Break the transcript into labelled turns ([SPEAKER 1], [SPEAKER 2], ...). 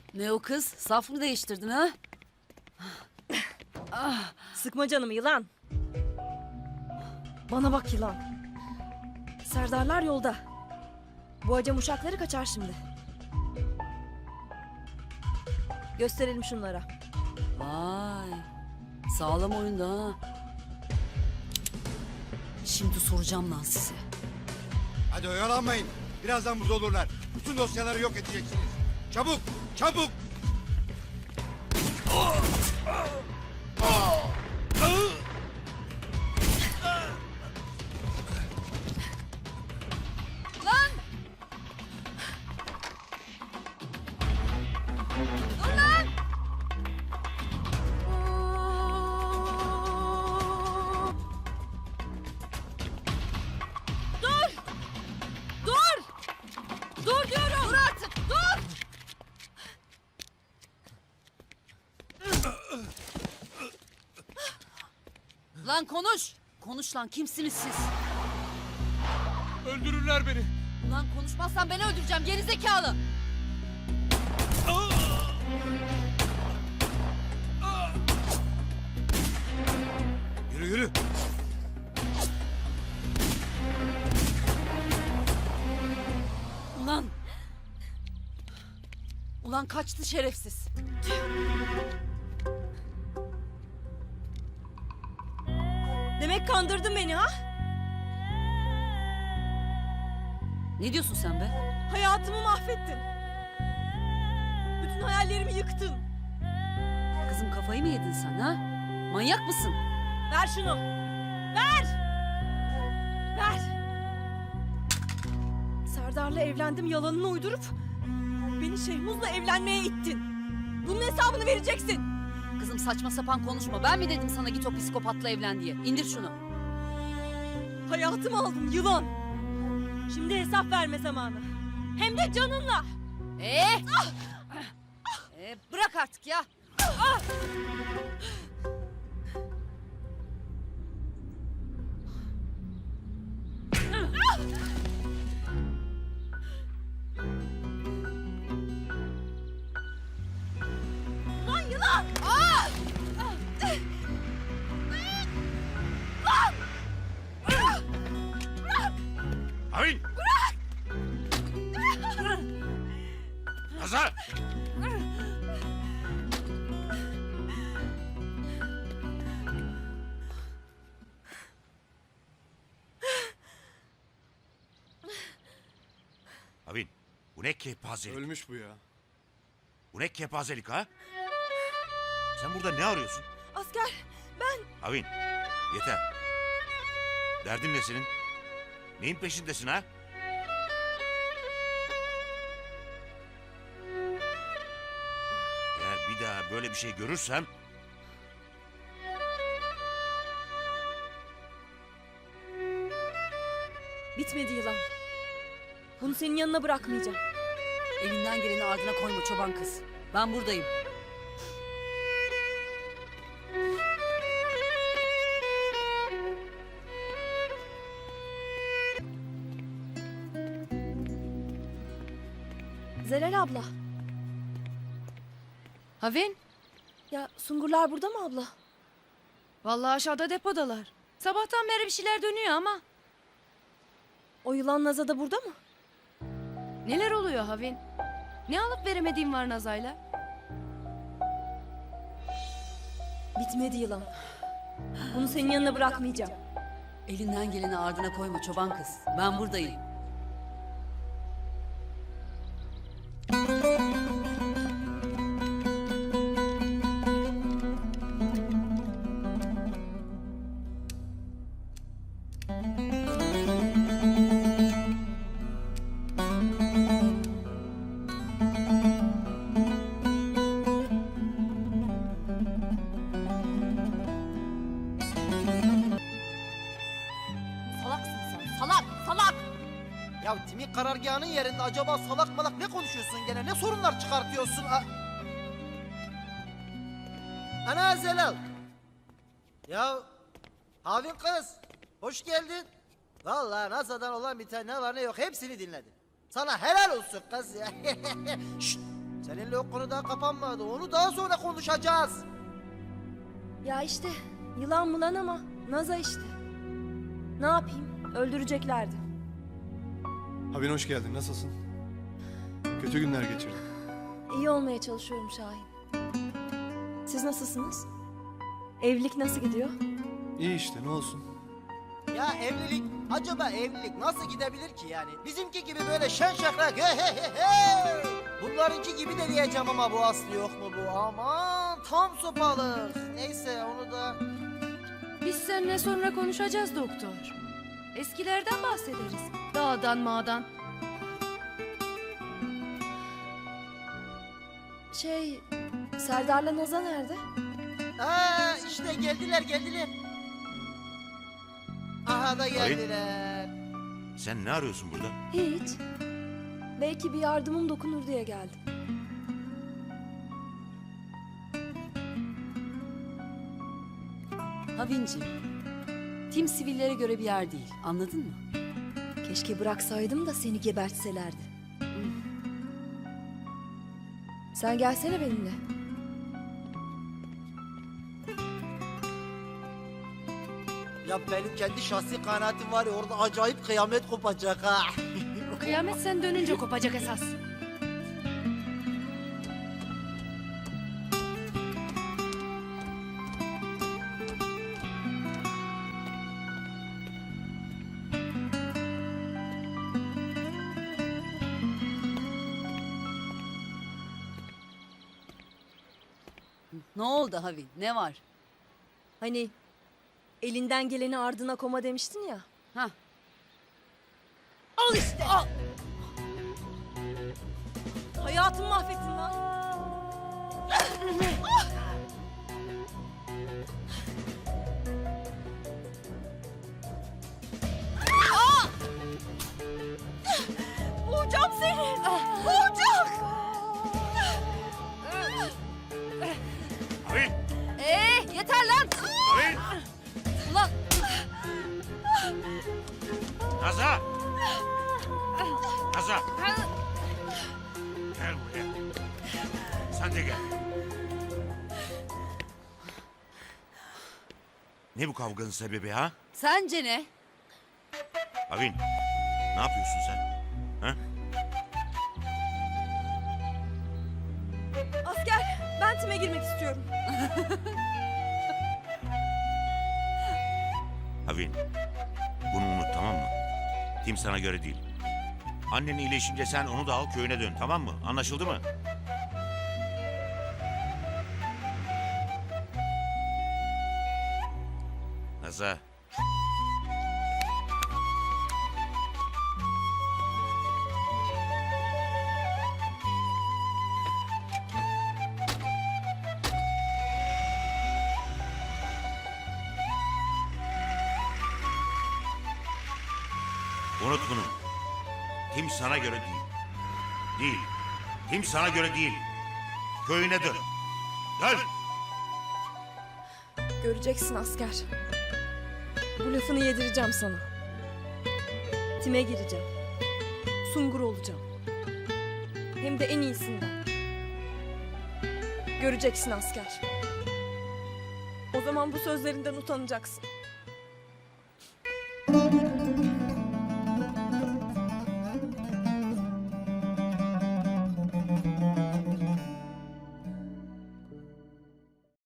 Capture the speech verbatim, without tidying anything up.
[SPEAKER 1] Ne o kız? Saf mı değiştirdin ha?
[SPEAKER 2] Sıkma canımı yılan. Bana bak yılan. Serdarlar yolda. Bu acem uşakları kaçar şimdi. Gösterelim şunlara.
[SPEAKER 1] Vay. Sağlam oyunda ha. Şimdi soracağım lan size.
[SPEAKER 3] Hadi oyalanmayın. Birazdan burada olurlar. Bütün dosyaları yok edeceksiniz. Çabuk, çabuk.
[SPEAKER 1] Lan! Dur lan! Dur! Dur! Dur diyorum! Dur artık! Dur! Lan konuş! Konuş lan, kimsiniz siz?
[SPEAKER 4] Öldürürler beni.
[SPEAKER 1] Lan konuşmazsan beni öldüreceğim gerizekalı!
[SPEAKER 3] Yürü yürü.
[SPEAKER 1] Ulan! Ulan kaçtı şerefsiz.
[SPEAKER 2] Demek kandırdın beni ha?
[SPEAKER 1] Ne diyorsun sen be?
[SPEAKER 2] Hayatımı mahvettin. Bütün hayallerimi yıktın.
[SPEAKER 1] Kızım kafayı mı yedin sen ha? Manyak mısın?
[SPEAKER 2] Ver şunu. Ver. Ver. Serdar'la evlendim yalanını uydurup beni Şehmuz'la evlenmeye ittin. Bunun hesabını vereceksin.
[SPEAKER 1] Kızım saçma sapan konuşma. Ben mi dedim sana git o psikopatla evlen diye? İndir şunu.
[SPEAKER 2] Hayatımı aldın yılan. Şimdi hesap verme zamanı. Hem de canınla.
[SPEAKER 1] Ee? Ee, bırak artık ya.
[SPEAKER 2] Lan yılan.
[SPEAKER 3] Havin. Bırak. Nazar. Havin, bu ne kepazelik?
[SPEAKER 4] Ölmüş bu ya.
[SPEAKER 3] Bu ne kepazelik ha? Sen burada ne arıyorsun?
[SPEAKER 2] Asker ben.
[SPEAKER 3] Havin, yeter. Derdin ne senin? Neyin peşindesin ha? Eğer bir daha böyle bir şey görürsem...
[SPEAKER 2] Bitmedi yılan. Bunu senin yanına bırakmayacağım.
[SPEAKER 1] Elinden geleni ardına koyma çoban kız. Ben buradayım.
[SPEAKER 2] Zelal abla.
[SPEAKER 5] Havin,
[SPEAKER 2] Ya Sungurlar burada mı abla?
[SPEAKER 5] vallahi aşağıda depodalar. Sabahtan beri bir şeyler dönüyor ama.
[SPEAKER 2] O yılan Naza da burada mı?
[SPEAKER 5] Neler oluyor Havin? Ne alıp veremediğin var Nazay'la?
[SPEAKER 2] Bitmedi yılan. Bunu senin yanına bırakmayacağım.
[SPEAKER 1] Elinden geleni ardına koyma çoban kız. Ben buradayım.
[SPEAKER 2] Salaksın sen. Salak, salak.
[SPEAKER 6] Ya Timik karargahının yerinde acaba salak malak ne konuşuyorsun gene? Ne sorunlar çıkartıyorsun? A- Ana Zelal. Ya Havin kız, hoş geldin. Vallahi NASA'dan olan bir tane ne var ne yok hepsini dinledim. Sana helal olsun kız ya. Şşt, Seninle o konu daha kapanmadı. Onu daha sonra konuşacağız.
[SPEAKER 2] Ya işte yılan mılan ama Naza işte. Ne yapayım? Öldüreceklerdi.
[SPEAKER 4] Havin hoş geldin. Nasılsın? Kötü günler geçirdim.
[SPEAKER 2] İyi olmaya çalışıyorum Şahin. Siz nasılsınız? Evlilik nasıl gidiyor?
[SPEAKER 4] İyi işte, ne olsun.
[SPEAKER 6] Ya evlilik, acaba evlilik nasıl gidebilir ki yani? Bizimki gibi böyle şen şakrak he he he he. Bunlarınki gibi de diyeceğim ama bu aslı yok mu bu? Aman tam sopalık. Neyse onu da...
[SPEAKER 5] Biz seninle sonra konuşacağız doktor. Eskilerden bahsederiz. Dağdan mağdan.
[SPEAKER 2] Şey, Serdar'la Naza nerede?
[SPEAKER 6] Aa işte geldiler geldiler. Aha da geldiler.
[SPEAKER 7] Sen ne arıyorsun burada?
[SPEAKER 2] Hiç. Belki bir yardımım dokunur diye geldim.
[SPEAKER 1] Havincim, tim sivillere göre bir yer değil. Anladın mı?
[SPEAKER 2] Keşke bıraksaydım da seni gebertselerdi. Sen gelsene benimle.
[SPEAKER 6] Ya benim kendi şahsi kanaatim var ya orada acayip kıyamet kopacak ha.
[SPEAKER 5] Kıyamet sen dönünce kopacak esas.
[SPEAKER 1] Ne oldu Havin? Ne var?
[SPEAKER 2] Hani elinden geleni ardına koma demiştin ya.
[SPEAKER 1] Ha?
[SPEAKER 2] Al işte. Al. Hayatımı mahvettin lan. Boğacağım seni. Boğacağım.
[SPEAKER 7] Havin!
[SPEAKER 5] Ee, yeter lan.
[SPEAKER 7] Havin!
[SPEAKER 5] Ulan
[SPEAKER 7] Naza! Naza! Gel buraya. Sen de gel. Ne bu kavganın sebebi ha?
[SPEAKER 1] Sence ne?
[SPEAKER 7] Havin, ne yapıyorsun sen? Ha?
[SPEAKER 2] Asker, ben time girmek istiyorum.
[SPEAKER 7] Havin, bunu unut tamam mı? Tim sana göre değil. Annen iyileşince sen onu da al köyüne dön tamam mı? Anlaşıldı mı? Naza. Unut bunu. Tim sana göre değil. Değil. Tim sana göre değil. Köyüne dön. Dön.
[SPEAKER 2] Göreceksin asker. Bu lafını yedireceğim sana. Time gireceğim. Sungur olacağım. Hem de en iyisinden. Göreceksin asker. O zaman bu sözlerinden utanacaksın.